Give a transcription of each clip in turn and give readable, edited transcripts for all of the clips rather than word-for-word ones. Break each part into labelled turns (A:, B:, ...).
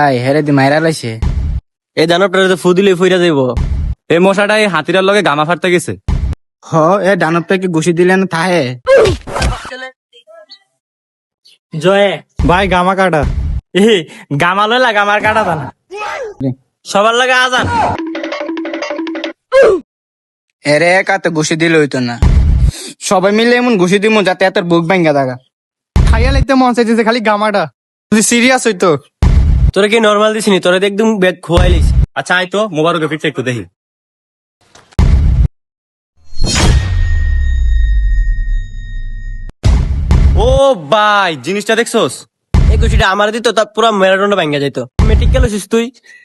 A: ভাই হেরে দি মাইরা লাইছে।
B: এই দানবটারে তো ফু দিলে ফইরা যাইব। এই মশাটা এই হাতিরার লগে গামা ফাটতে গেছে।
A: হ এ দানবটা কি ঘুষি দিলে না থাহে?
C: জয়ে ভাই গামা কাটা গামা লইলা গামার কাটা দানা সবার লাগে আজান।
A: এরে একাতে ঘুষি দিলে হইতো না, সবাই মিলে এমন ঘুষি দিমু যাতে এত বুক ভাঙ্গা থাকা।
D: খাইয়া লাগতে মন চাইছে খালি গামাটা, যদি সিরিয়াস হইতো।
B: তোরে কি নর্মাল দিছিনি, তোরে তো একদম ব্যাগ খোয়াই লিস। আচ্ছা আয় তো মোবারকের পিঠটা একটু দেখি। ও ভাই জিনিসটা দেখছোস? এই কুচিটা আমার দিত তা পুরো ম্যারাডোনা ভাঙ্গা যাইতো। মেট্রিক গেল তুই?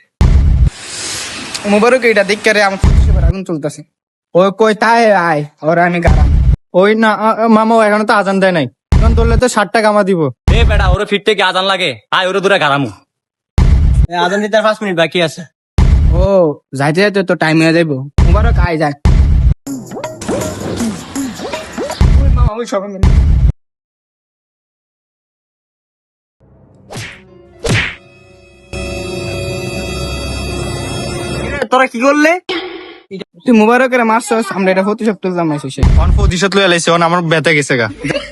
A: মুবারক এটা দেখ রে আমার ফুসফুসে আগুন চলতেছে। ওই কই তাই আয় ওর আমি গারাম।
D: ওই না মামা এখনো তো আজান দেয় নাই, এখন ধরলে তো 60টা গামা দিব।
B: এ বেটা ওরে ফিরতে কি আজান লাগে? আয় ওরে দূরে গারামু। আজান দিতে আর 5 মিনিট বাকি আছে।
A: ও যাইতে যাইতে তো টাইম হয়ে যাইব। মুবারক আয় যায়। ওই মামা ওই সবাই মিলে
C: তোরা কি করলে?
A: তুই মুবারকের মারছস, আমরা এটা প্রতিশোধ তুললাম।
D: অন প্রতিশোধ লইয়া লাইছে, অন আমার ব্যথা গেছে গা।